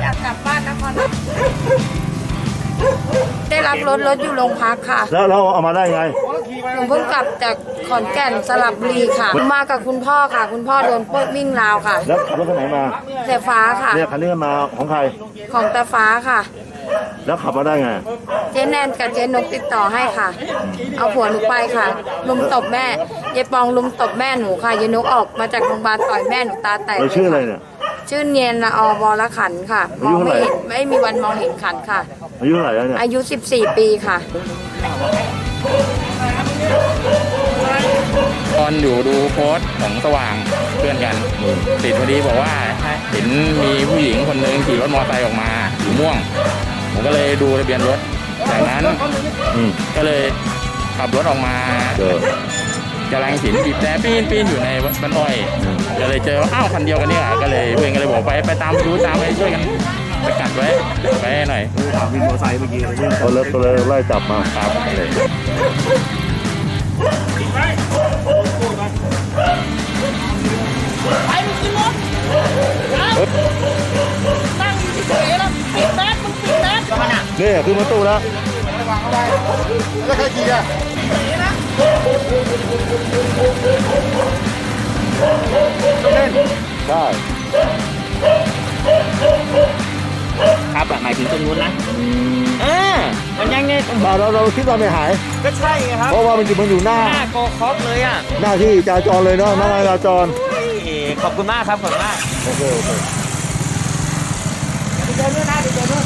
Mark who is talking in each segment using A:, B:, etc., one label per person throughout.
A: อยากกลับบ้านนครได้รับรถอยู่โรงพักค่ะ
B: แล้วเราเอามาได้ไง
A: ผมเพิ่งกลับจากขอนแก่นสระบุรีค่ะมากับคุณพ่อค่ะ คุณพ่อโดนปล้นวิ่งราวค่ะ
B: แล้วขับรถคันไหนมา
A: แต่ฟ้าค่ะ
B: เนี่ยคันนี้มาของใคร
A: ของตาฟ้าค่ะ
B: แล้วขับมาได้ไง
A: เจ๊แนนกับเจ๊นกติดต่อให้ค่ะเอาผัวหนูไปค่ะลุมตบแม่ยายปองลุมตบแม่หนูค่ะยายนกออกมาจากโรงพยาบาลต่อยแม่หนูตาแตก
B: เราชื่ออะไรเนี่ย
A: ชื่อเนียนละอวรขันค่ะมองไม่เห็นไม่มีวันมองเห็นขันค่ะ
B: อายุเท่าไหร่แล้วเนี่ย
A: อายุ14 ปีค่ะ
C: ตอนอยู่ดูโพสต์ของสว่างเพื่อนกันติดพอดีบอกว่าเห็นมีผู้หญิงคนหนึ่งขี่รถมอเตอร์ไซค์ออกมาสีม่วงผมก็เลยดูทะเบียนรถจากนั้นก็เลยขับรถออกมากำลังเห็นบีบแต่ปีนอยู่ในบ้านอ้อยก็เลยเจออ้าวคันเดียวกันนี่แหละก็เลยเพื่อนก็เลยบอกไปตามไปดูตามไปช่วยกันไปกัดไว้หน่อย
B: ขับวินมอเตอร์ไซค์เมื่อกี้ก็เลยไล่จับมา
C: ครับเลย
D: ไปมึงขึ้นรถนั่งเฉยๆแล้วปิดแมสมึงปิดแมส
B: เนี่ยคือมาตู้แล้วแล้วใครขี่อ่ะเล่นได้
D: ครับหมายถึงตรงนู้นนะมันยังไง
B: เราคิดว่าไม่หาย
D: ก็ใช่ไงครับ
B: เพราะว่ามันอยู่หน้า
D: โกคอกเลยอ่ะ
B: หน้าที่จราจรเลยเนาะหน้าจราจร
D: ขอบคุณมากครับขอบคุณมาก
B: โอเค
D: เดินด้วยนะเดินด้วย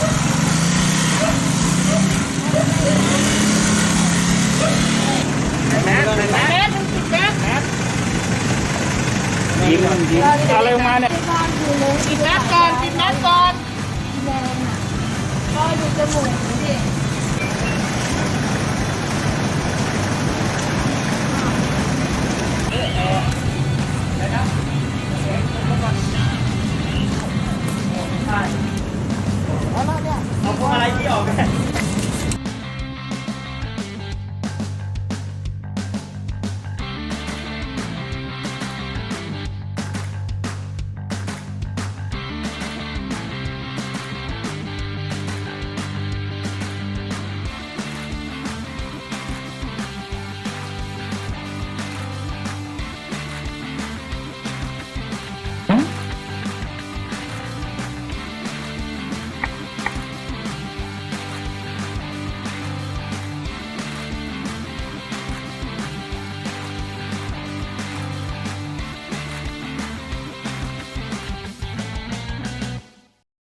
D: แมสมึงปิดแมส
C: ยิงอะไรมาเนี่ย
D: ปิดแมสก่อน
A: แดงอ่ะก็ดูจมูกดิ